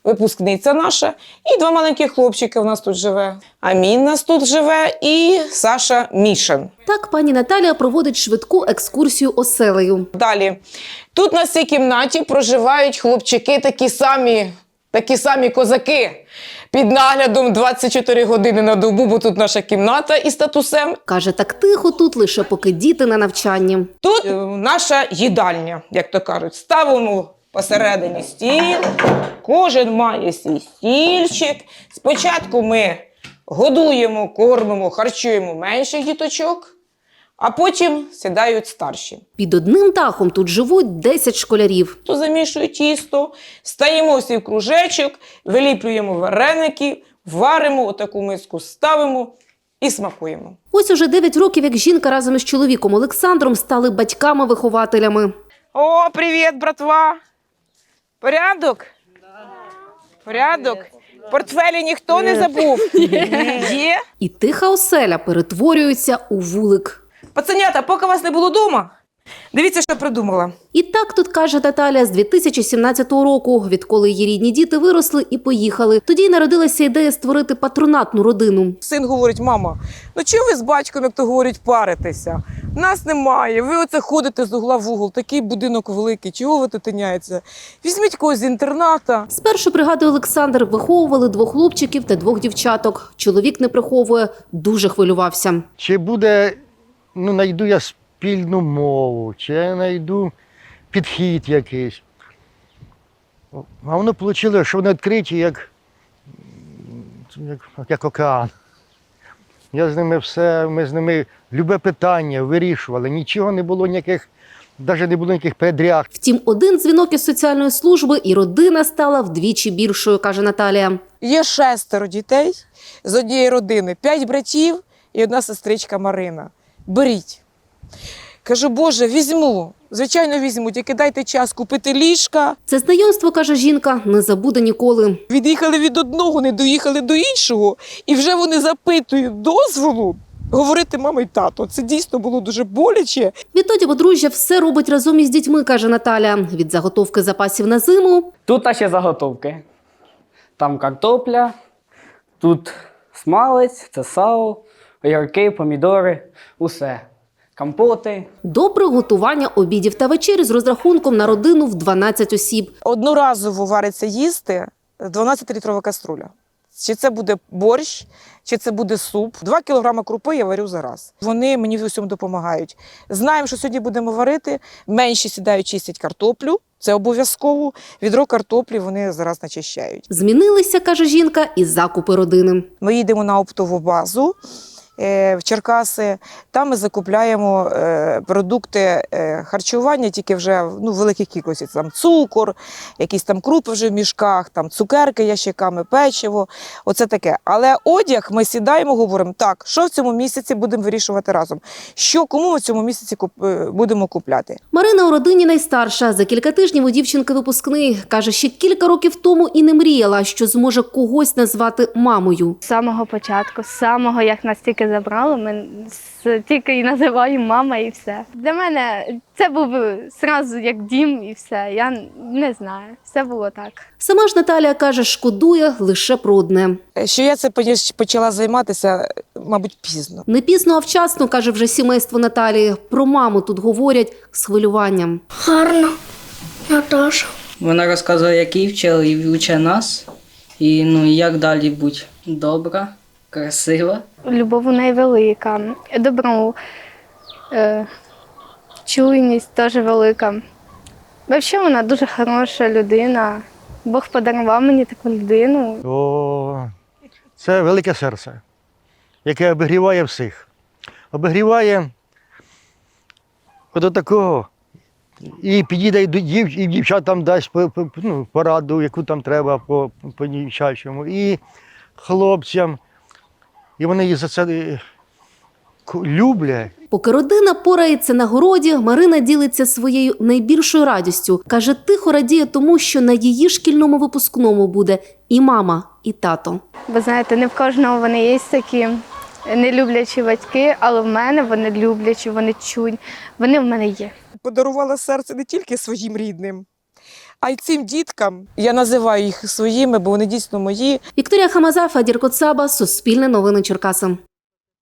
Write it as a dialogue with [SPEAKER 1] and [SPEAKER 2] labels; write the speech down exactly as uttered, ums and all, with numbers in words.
[SPEAKER 1] випускниця наша, і два маленьких хлопчики у нас тут живе. Амін у нас тут живе і Саша Мішин.
[SPEAKER 2] Так пані Наталія проводить швидку екскурсію оселею.
[SPEAKER 1] Далі. Тут на цій кімнаті проживають хлопчики такі самі, такі самі козаки. Під наглядом двадцять чотири години на добу, бо тут наша кімната із татусем.
[SPEAKER 2] Каже, так тихо тут лише поки діти на навчанні.
[SPEAKER 1] Тут е, наша їдальня, як то кажуть. Ставимо посередині стіл, кожен має свій стільчик. Спочатку ми годуємо, кормимо, харчуємо менших діточок, а потім сідають старші.
[SPEAKER 2] Під одним дахом тут живуть десять школярів.
[SPEAKER 1] То замішує тісто, стаємо всі в кружечок, виліплюємо вареники, варимо, отаку миску ставимо і смакуємо.
[SPEAKER 2] Ось уже дев'ять років, як жінка разом із чоловіком Олександром стали батьками-вихователями.
[SPEAKER 1] О, привіт, братва! Порядок? Порядок? Портфелі ніхто не забув? Є?
[SPEAKER 2] І тиха оселя перетворюється у вулик.
[SPEAKER 1] Пацанята, поки вас не було вдома, дивіться, що придумала.
[SPEAKER 2] І так тут, каже Наталя, з дві тисячі сімнадцятого року, відколи її рідні діти виросли і поїхали. Тоді й народилася ідея створити патронатну родину.
[SPEAKER 1] Син говорить: мама, ну чого ви з батьком, як то говорять, паритеся? Нас немає, ви оце ходите з угла в угол, такий будинок великий, чого ви тут тиняєтеся? Візьміть когось з інтерната.
[SPEAKER 2] Спершу, пригадує Олександр, виховували двох хлопчиків та двох дівчаток. Чоловік не приховує, дуже хвилювався.
[SPEAKER 3] Чи буде, ну, знайду я спільну мову, чи я знайду підхід якийсь. А воно вийшло, що вони відкриті, як, як, як океан. Я з ними все, ми з ними любе питання вирішували, нічого не було ніяких, навіть не було ніяких передряг.
[SPEAKER 2] Втім, один дзвінок із соціальної служби і родина стала вдвічі більшою, каже Наталія.
[SPEAKER 1] Є шестеро дітей з однієї родини, п'ять братів і одна сестричка Марина. Беріть. Кажу: Боже, візьму. Звичайно, візьму, тільки дайте час купити ліжка.
[SPEAKER 2] Це знайомство, каже жінка, не забуде ніколи.
[SPEAKER 1] Від'їхали від одного, не доїхали до іншого, і вже вони запитують дозволу говорити мама й тато. Це дійсно було дуже боляче.
[SPEAKER 2] Відтоді подружжя все робить разом із дітьми, каже Наталя. Від заготовки запасів на зиму.
[SPEAKER 4] Тут наші заготовки. Там картопля, тут смалець, це сало, огірки, помідори, усе. Компоти.
[SPEAKER 2] До приготування обідів та вечері з розрахунком на родину в дванадцять осіб.
[SPEAKER 1] Одноразово вариться їсти дванадцятилітрова каструля. Чи це буде борщ, чи це буде суп. Два кілограми крупи я варю за раз. Вони мені в усьому допомагають. Знаємо, що сьогодні будемо варити. Менші сідають, чистять картоплю. Це обов'язково. Відро картоплі вони зараз начищають.
[SPEAKER 2] Змінилися, каже жінка, і закупи родини.
[SPEAKER 1] Ми їдемо на оптову базу в Черкаси. Там ми закупляємо продукти харчування, тільки вже ну, в великих кількостях. Там цукор, якісь там крупи вже в мішках, там цукерки ящиками, печиво. Оце таке. Але одяг ми сідаємо, говоримо: так, що в цьому місяці будемо вирішувати разом? Що, кому ми в цьому місяці куп... будемо купляти?
[SPEAKER 2] Марина у родині найстарша. За кілька тижнів у дівчинки випускний. Каже, ще кілька років тому і не мріяла, що зможе когось назвати мамою.
[SPEAKER 5] З самого початку, з самого, як нас тільки забрали, ми тільки і називаємо мама і все. Для мене це був одразу як дім і все. Я не знаю, все було так.
[SPEAKER 2] Сама ж Наталія каже, шкодує лише про одне.
[SPEAKER 1] Що я це почала займатися, мабуть, пізно.
[SPEAKER 2] Не пізно, а вчасно, каже вже сімейство Наталії. Про маму тут говорять з хвилюванням.
[SPEAKER 6] Гарно, Наташа.
[SPEAKER 4] Вона розказує, як її вчили, і вчить нас. І ну, як далі бути. Добра, красива.
[SPEAKER 5] Любов у неї велика, добро, е, чуйність теж велика. Взагалі вона дуже хороша людина. Бог подарував мені таку людину.
[SPEAKER 3] О, це велике серце, яке обігріває всіх. Обігріває до такого. І підійде і до дів, і дівчатам дасть по, по, ну, пораду, яку там треба по, по дівчачому, і хлопцям. І вони її за це люблять.
[SPEAKER 2] Поки родина порається на городі, Марина ділиться своєю найбільшою радістю. Каже, тихо радіє тому, що на її шкільному випускному буде і мама, і тато.
[SPEAKER 5] Ви знаєте, не в кожного вони є такі нелюблячі батьки, але в мене вони люблячі, вони чують, вони в мене є.
[SPEAKER 1] Подарувала серце не тільки своїм рідним, А й цим діткам я називаю їх своїми, бо вони дійсно мої.
[SPEAKER 2] Вікторія Хамаза, Фадір Коцаба, Суспільне новини Черкаси.